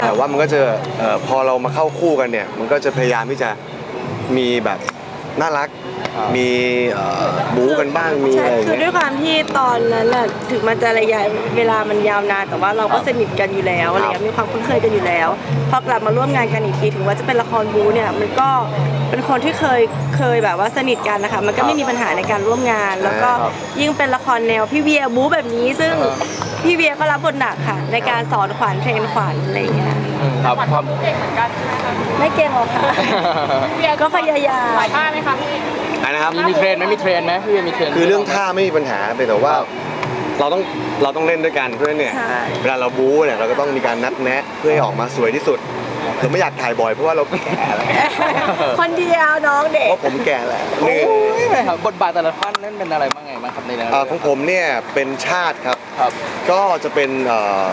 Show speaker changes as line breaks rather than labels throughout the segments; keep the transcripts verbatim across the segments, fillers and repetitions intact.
แต่ว่ามันก็จะเอ่อพอเรามาเข้าคู่กันเนี่ยมันก็จะพยายามที่จะมีแบบน่ารักมีเอ่อบู๊กันบ้างมีอะไรอย่าง
คือด้
เงี้
วย ยความที่ตอนนั้นน่ะถึงมันจะระยะเวลามันยาวนานแต่ว่าเราก็สนิทกันอยู่แล้วอะไรเงี้ยมีความคุ้นเคยกันอยู่แล้วพอกลับมาร่วมงานกันอีกทีถึงว่าจะเป็นละครบู๊เนี่ยมันก็เป็นคนที่เคยเคยแบบว่าสนิทกันนะคะมันก็ไม่มีปัญหาในการร่วมงาน แล้วก็ยิ่งเป็นละครแนวพี่เวียบู๊แบบนี้ซึ่งพี่เวียก็รับบทหนักค่ะในการสอนขวัญเทรนขวัญอะไรเงี้ย
ครับความ
ไม่เก่งหรอกค่ะก็พยายาม
ท่าไหมคะพี่
อันนะครับ
มีมีเทรนไหมมีเทรนไหมพี่เวียมีเทรน
คือเรื่องท่าไม่มีปัญหาแต่ว่าเราต้องเราต้องเล่นด้วยกันเพื่อเนี่ยเวลาเราบู๊เนี่ยเราก็ต้องมีการนัดแนะเพื่อให้ออกมาสวยที่สุดเราไม่อยากถ่ายบ่อยเพราะว่าเราแก่แล้ว
คนเดียวน้องเด็ก
เพราะผมแก่แล้วเหนื่อย
โอ้ยแม่ครับบทบาทแต่ละท่านนั่นเป็นอะไรบ้างไงบ้างครับในเรื่อง
เอ่อของผมเนี่ยเป็นชาติครับ
ครับ
ก็จะเป็นเอ่อ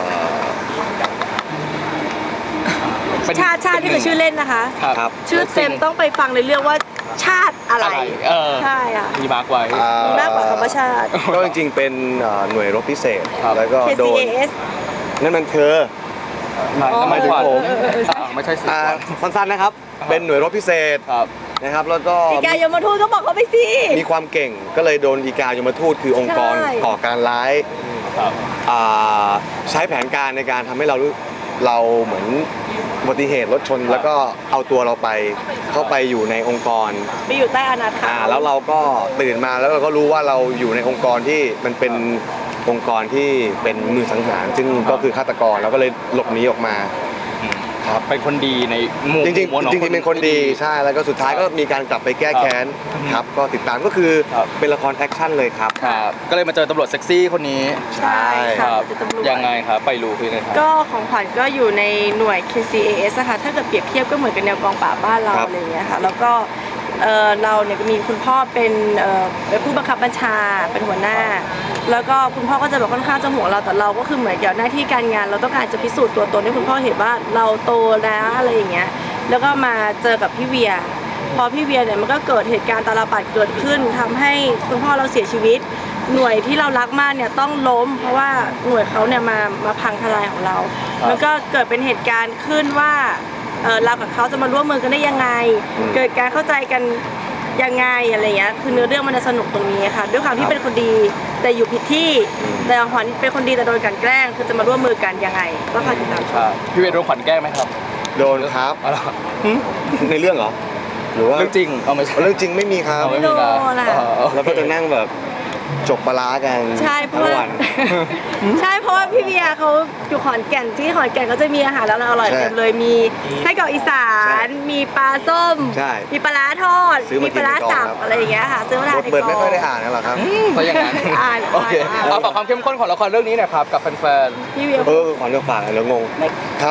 เป็น
ชาติชาติที่คือชื่อเล่นนะคะ
ครับ
ครับ
ชื่อเต็มต้องไปฟังในเรื่องว่าชาติอะไร
อะไรเออ
ใช่ค่ะ
มีมาร์กไว้
อ่
มีมากกว่าคำว่าชาติ
ก็จริงๆเป็นเอ่อหน่วยรบพิเศษ
ครับ
แล้วก็โดน
เค ซี เอ เอส
นั่นมันเธอ
ทำไมถึงผม
เออเออเออใช่
ไม่ใช่สิ
อ่าสั้นๆนะครับ เป็นหน่วยรบพิเศษ
ครับ
นะครับแล้วก็
อีกายมทูตก็บอกเขาไปสิ
มีความเก่งก็เลยโดนอีกายมทูตคือองค์กร
ใช่
ก่อการร้าย
ครับ
อ่าใช้แผนการในการทำให้เรารู้เราเหมือนอุบัติเหตุรถชน แล้วก็เอาตัวเราไปเข้าไปอยู่ในองค์กร
ไปอยู่ใต้อานาถา
อ่าแล้วเราก็ตื่นมาแล้วเราก็รู้ว่าเราอยู่ในองค์กรที่มันเป็นองค์กรที่เป็นมือสังหารซึ่งก็คือฆาตกรแล้วก็เลยหลบหนีออกมาครับ
เป็นคนดีในหมู่
จริง
หมู่
ๆจริงๆเป็นคนดีใช่แล้วก็สุดท้ายก็มีการกลับไปแก้แค้นครับก็ติดตามก็คือ
ครับ
เป็นละครแอคชั่นเลยครับ
ครับก็เลยมาเจอตำรวจเซ็กซี่คนนี้
ใช่
ค
ค่ะ
รับ
เป็นตำรวจ
ยังไงครับไปรู้คือไงครับ
ก็ของขวัญก็อยู่ในหน่วย เค ซี เอ เอส นะคะถ้าเกิดเปรียบเทียบก็เหมือนกับแนวกองปราบบ้านเรา
ครับ
อะไรอย่างเงี้ยค่ะแล้วก็เอ่อเราเนี่ยก็มีคุณพ่อเป็นเอ่อเป็นผู้บังคับบัญชาเป็นหัวหน้า แล้วก็คุณพ่อก็จะแบบค่อนข้างจะห่วงเราแต่เราก็คือเหมือนกับหน้าที่การงาน เราต้องการจะพิสูจน์ตัวตนให้คุณพ่อเห็นว่าเราโตแล้วอะไรอย่างเงี้ยแล้วก็มาเจอกับพี่เวีย พอพี่เวียเนี่ยมันก็เกิดเหตุการณ์ตาลปัดเกิดขึ้นทำให้คุณพ่อเราเสียชีวิต หน่วยที่เรารักมากเนี่ยต้องล้ม เพราะว่าหน่วยเขาเนี่ยมามาพังทลายของเรา
ครับ
มันก็เกิดเป็นเหตุการณ์ขึ้นว่าเออเรากับเขาจะมาร่วมมือกันได้ยังไง
อืม
เกิดการเข้าใจกันยังไงอะไรเงี้ยคือเนื้อเรื่องมันจะสนุกตรงนี้ค่ะ ด้วยความที่เป็นคนดีแต่อยู่ผิดที่แต่ขวัญเป็นคนดีแต่โดนกลันแกล้งคือจะมาร่วมมือกันยังไงก็คอยติดตามช
ครั
ม
บพี่เวียโดนขวัญแกล้งไหมครับ
โดนครับ
อ๋อเหรอ
ในเรื่องเหรอหรือว่า
เรื่องจริงเอาไม่ใช่
เรื่องจริงไม่มีครับ
เอาไม่มีนะ
โดนอะ
อ๋อโอเค
แล้วก็จะนั่งแบบจกปลาร้ากัน
ใช่เพ
ทั้
ราะ
ง
ว่า
วัน
ใช่เพราะว่าพี่เบียร์เขาอยู่ขอนแก่นที่ขอนแก่นเขาจะมีอาหารแล้วอร่อย
ใช่
เต็มเลยมีไส้กรอกอีสา
ใช่
น มีปลาส้ม
ใช่
มีปลาร้าทอด
ซื้อมา
มีปลาร้า
กินในกอง
สับ
ครับ
อะไรอย่างเงี้ยค่ะซื้อมาทาน
บท
ใน
เปิด
กอ
ไม่ค่อยได้
ง
อ่านกันหรอกครับ
เพราะอย่างนั้น
อ่าน
โอเค
อ่าน
เอาฝากความเข้มข้นของละครเรื่องนี้หน่อยครับกับแฟน
พี่เบียร์
เออขอเรื่องฝากแล้วงงครับ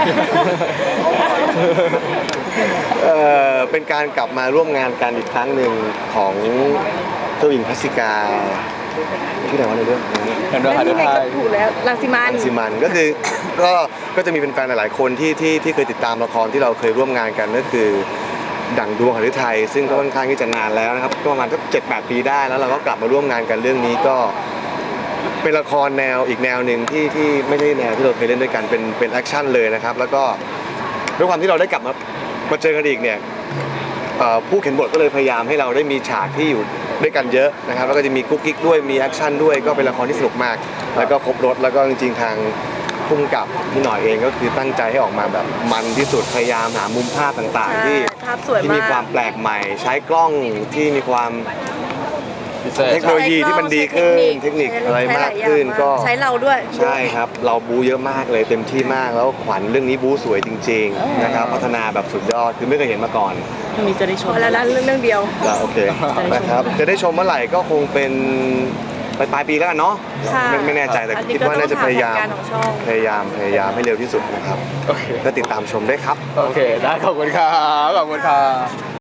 เอ่อเป็นการกลับมาร่วมงานกันอีกครั้งหนึ่งของเจ้าหญิงพัสสิกาที่ไหนวะในเรื่อง
ๆเห็นด้วย
แล้ว
ค่ะ
ที่ไหน
ไท
ก็
ย
ถูกแล้วลังสิมัน
อันซิมันก็คือก็ก็จะมีแฟนๆหลายๆคนที่ที่ที่เคยติดตามละครที่เราเคยร่วมงานกันก็คือดั่งดวงหฤทัยซึ่งก็ค่อนข้างที่จะนานแล้วนะครับก็ประมาณสักเจ็ดแปดปีได้แล้วเราก็กลับมาร่วมงานกันเรื่องนี้ก็เป็นละครแนวอีกแนวหนึ่งที่ที่ไม่ใช่แนวที่เราเคยเล่นด้วยกันเป็นเป็นแอคชั่นเลยนะครับแล้วก็ด้วยความที่เราได้กลับมามาเจอกันอีกเนี่ยเอ่อผู้เขียนบทก็เลยพยายามให้เราได้มีฉากที่อยู่ด้วยกันเยอะนะครับแล้วก็จะมีกุ๊กกิ๊กด้วยมีแอคชั่นด้วยก็เป็นละครที่สนุกมาก แล้วก็ครบรถแล้วก็จริงๆทางพุ่งกับพี่หน่อยเองก็คือตั้งใจให้ออกมาแบบมันที่สุดพยายามหามุมภาพต่างๆ ที่
ใช่ภาพสวย
ที่มี
มาก
ความแปลกใหม่ ใช้กล้องที่มีความ
พิเศษ
เทคโนโลยีที่มันดีขึ้นเทคนิคอะไรมากขึ้นก็
ใช้เราด้วย
ใช่ครับเราบูเยอะมากเลยเต็มที่มากแล้วขวัญเรื่องนี้บูสวยจริงๆนะครับพัฒนาแบบสุดยอดคือไม่เคยเห็นมาก่อน
มีจะได้ชมแล้วนะเรื่องเรื่องเดียว
แล้วโอเคนะครับจะได้ชมเมื่อไหร่ก็คงเป็นปลายปลายปีแล้วกันเนาะ
ค่ะ
ไม่ไม่แน่ใจแต่
อันนี้
คิด
ก็
ว่าน่าจะพยายาม
ต้องถามแผนการของช่อง
พยายามพยายามให้เร็วที่สุดนะครับ
โอเค
ก็ติดตามชมได้ครับ
โอเค ได้ขอบคุณครับ ขอบคุณครับ